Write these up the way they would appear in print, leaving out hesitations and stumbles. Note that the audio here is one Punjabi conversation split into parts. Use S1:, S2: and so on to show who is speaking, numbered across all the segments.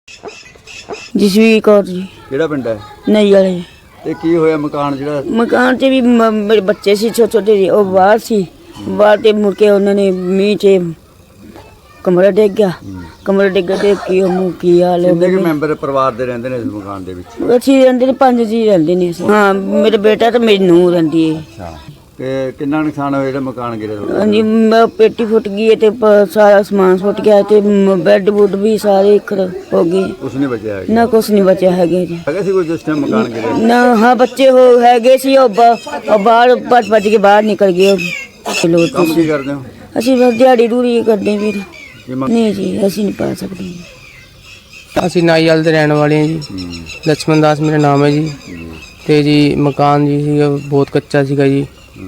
S1: ਜਸਵੀਰ ਕੌਰ ਜੀ।
S2: ਕਿਹੜਾ ਪਿੰਡ ਹੈ?
S1: ਨਹੀਂ ਵਾਲੇ।
S2: ਤੇ ਕੀ ਹੋਇਆ ਮਕਾਨ ਜਿਹੜਾ?
S1: ਮਕਾਨ 'ਚ ਵੀ ਮੇਰੇ ਬੱਚੇ ਸੀ ਛੋਟੇ ਛੋਟੇ ਜਿਹੇ, ਉਹ ਬਾਹਰ ਸੀ। ਬਾਹਰ ਤੇ ਮੁੜ ਕੇ ਉਹਨਾਂ ਨੇ ਮੀਂਹ 'ਚ ਕਮਰਾ ਡਿੱਗ ਗਿਆ। ਕਮਰਾ ਡਿੱਗ ਤੇ ਕੀ ਹਾਲ ਹੋ
S2: ਕਿੰਨੇ ਕੁ
S1: ਗਿਆ।
S2: ਮੈਂਬਰ ਪਰਿਵਾਰ ਦੇ ਰਹਿੰਦੇ ਨੇ ਇਸ ਮਕਾਨ ਦੇ ਵਿੱਚ?
S1: ਅਸੀਂ ਰਹਿੰਦੇ ਨੇ 5 ਜੀ ਰਹਿੰਦੇ ਨੇ ਅਸੀਂ। ਹਾਂ, ਮੇਰਾ ਬੇਟਾ ਤੇ ਮੇਰੀ ਨੂੰਹ ਰਹਿੰਦੀ ਹੈ।
S2: ਅੱਛਾ, ਤੇ ਕਿੰਨਾ ਨੁਕਸਾਨ ਹੋਇਆ ਜਿਹੜਾ ਮਕਾਨ ਗਿਰਿਆ ਤੁਹਾਡਾ?
S1: ਹਾਂਜੀ, ਪੇਟੀ ਫੁੱਟ ਗਈ ਹੈ ਤੇ ਸਾਰਾ ਸਮਾਨ ਫੁੱਟ ਗਿਆ ਤੇ ਬੈੱਡ ਬੁੱਡ ਵੀ ਸਾਰੇ ਹੋ ਗਏ।
S2: ਕੁਛ ਨਹੀਂ ਬਚਿਆ ਹੈਗਾ?
S1: ਨਾ ਕੁਛ ਨਹੀਂ ਬਚਿਆ ਹੈਗਾ ਜੀ।
S2: ਹੈਗਾ ਸੀ ਕੋਈ ਜਿਸ ਟਾਈਮ ਮਕਾਨ ਗਿਰਿਆ?
S1: ਨਾ, ਹਾਂ ਬੱਚੇ ਹੈਗੇ ਸੀ। ਉਹ ਬਾਹਰ ਭੱਜ ਕੇ ਬਾਹਰ ਨਿਕਲ ਗਏ।
S2: ਕੰਮ ਕੀ ਕਰਦੇ ਹੋ?
S1: ਅਸੀਂ ਬਸ ਦਿਹਾੜੀ ਦੂਰੀ ਕਰਦੇ ਵੀਰ।
S2: ਕੀ ਮੰਗ-
S1: ਨਹੀਂ ਜੀ, ਅਸੀਂ ਨਹੀਂ ਪਾ ਸਕਦੇ।
S3: ਅਸੀਂ ਨਾਈਵਾਲ ਦੇ ਰਹਿਣ ਵਾਲੇ ਹਾਂ ਜੀ। ਲక్ష్మణ ਦਾਸ ਮੇਰਾ ਨਾਮ ਹੈ ਜੀ। ਤੇ ਜੀ ਮਕਾਨ ਜੀ ਸੀਗਾ ਬਹੁਤ ਕੱਚਾ ਸੀਗਾ ਜੀ,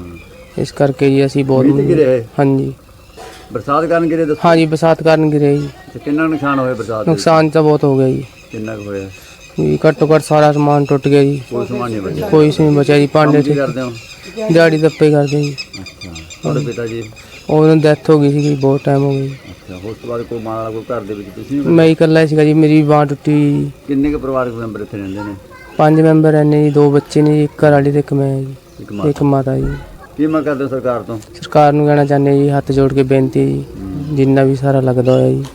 S3: ਇਸ ਕਰਕੇ ਜੀ ਅਸੀਂ ਬਹੁਤ
S2: ਮੀਂਹ 'ਚ ਗਿਰੇ ਹੈ?
S3: ਹਾਂਜੀ।
S2: ਬਰਸਾਤ ਕਾਰਨ ਗਿਰੇ ਦੱਸੋ?
S3: ਹਾਂਜੀ, ਬਰਸਾਤ ਕਾਰਨ ਗਿਰੇ ਜੀ।
S2: ਤੇ ਕਿੰਨਾ ਨੁਕਸਾਨ ਹੋਇਆ ਬਰਸਾਤ ਦੇ ਵਿੱਚ?
S3: ਨੁਕਸਾਨ ਤਾਂ ਬਹੁਤ ਹੋ ਗਿਆ ਜੀ।
S2: ਕਿੰਨਾ ਕੁ ਹੋਇਆ?
S3: ਜੀ ਘੱਟੋ ਘੱਟ ਸਾਰਾ ਸਮਾਨ ਟੁੱਟ ਗਿਆ ਜੀ।
S2: ਕੋਈ ਸਮਾਨ ਨਹੀਂ ਬਚਿਆ?
S3: ਕੋਈ ਸੀ ਨਹੀਂ ਬਚਿਆ ਜੀ। ਭਾਂਡੇ
S2: ਕੰਮ ਕੀ ਕਰਦੇ ਹੋ?
S3: ਦਿਹਾੜੀ ਦੱਪੇ ਕਰਦੇ ਜੀ।
S2: ਅੱਛਾ, ਤੁਹਾਡੇ ਪਿਤਾ ਜੀ?
S3: ਉਹਨਾਂ ਦੀ ਡੈਥ ਹੋ ਗਈ ਸੀ, ਬਹੁਤ ਟਾਈਮ ਹੋ ਗਿਆ ਜੀ।
S2: ਅੱਛਾ, ਉਸ ਤੋਂ ਬਾਅਦ ਕੋਈ ਮਾਂ ਕੋਈ ਘਰ ਦੇ ਵਿੱਚ ਤੁਸੀਂ?
S3: ਮੈਂ ਹੀ ਇਕੱਲਾ ਸੀਗਾ ਜੀ, ਮੇਰੀ ਬਾਂਹ ਟੁੱਟੀ ਜੀ।
S2: ਕਿੰਨੇ ਕੁ ਪਰਿਵਾਰਕ ਮੈਂਬਰ ਇੱਥੇ ਰਹਿੰਦੇ ਨੇ?
S3: 5 ਮੈਂਬਰ ਨੇ ਜੀ, 2 ਬੱਚੇ ਨੇ ਜੀ, ਇੱਕ ਘਰ ਵਾਲੀ ਤੇ ਇੱਕ ਮੈਂ ਜੀ, ਇੱਕ ਮਾਤਾ ਜੀ।
S2: ਕੀ ਮੰਗ ਕਰਦੇ ਹੋ ਸਰਕਾਰ ਤੋਂ?
S3: ਸਰਕਾਰ ਨੂੰ ਕਹਿਣਾ ਚਾਹੁੰਦੇ ਜੀ, ਹੱਥ ਜੋੜ ਕੇ ਬੇਨਤੀ ਹੈ ਜੀ, ਜਿੰਨਾ ਵੀ ਸਾਰਾ ਲੱਗਦਾ ਹੋਇਆ ਜੀ।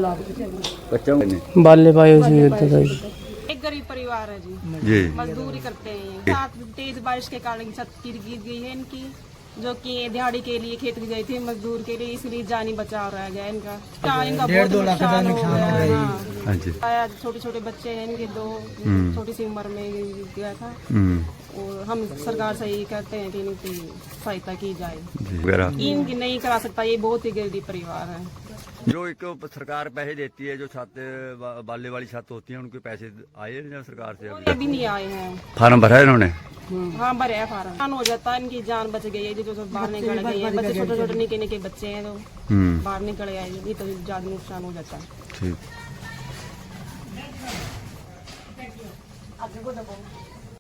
S2: ਬੱਚਾ ਨੇ
S3: ਬਾਲੇ ਪਾਏ ਹੋਏ ਸੀ ਉੱਧਰ ਦਾ ਜੀ।
S4: एक गरीब परिवार है जी।
S2: ਜੀ।
S4: मजदूरी करते हैं। साथ तेज बारिश के कारण छत गिर गई है इनकी, जो कि दिहाड़ी के लिए खेत में गई थी मजदूर के लिए, इसलिए जानी बचाव रह गया इनका। इनका बहुत नुकसान हो गया। हाँ।
S2: हाँ जी।
S4: छोटे छोटे बच्चे हैं इनके, 2 छोटी सी उम्र में गया था। और हम सरकार से यही कहते हैं कि इनकी सहायता की जाए। इनकी नहीं करा सकता, ये बहुत ही गरीब परिवार है।
S2: जो एक सरकार पैसे देती है, जो छत बाले वाली छत होती है, उनके पैसे आए हैं सरकार से?
S4: अभी नहीं आए हैं।
S2: फार्म भरा है इन्होंने?
S4: हाँ, भरे है फार्म। नुकसान हो जाता है, इनकी जान बच गई है। जो बाहर निकल गए हैं बच्चे, छोटे छोटे निके निके बच्चे हैं, तो बाहर निकल गए, ये तो ज्यादा नुकसान हो जाता है।
S2: ठीक।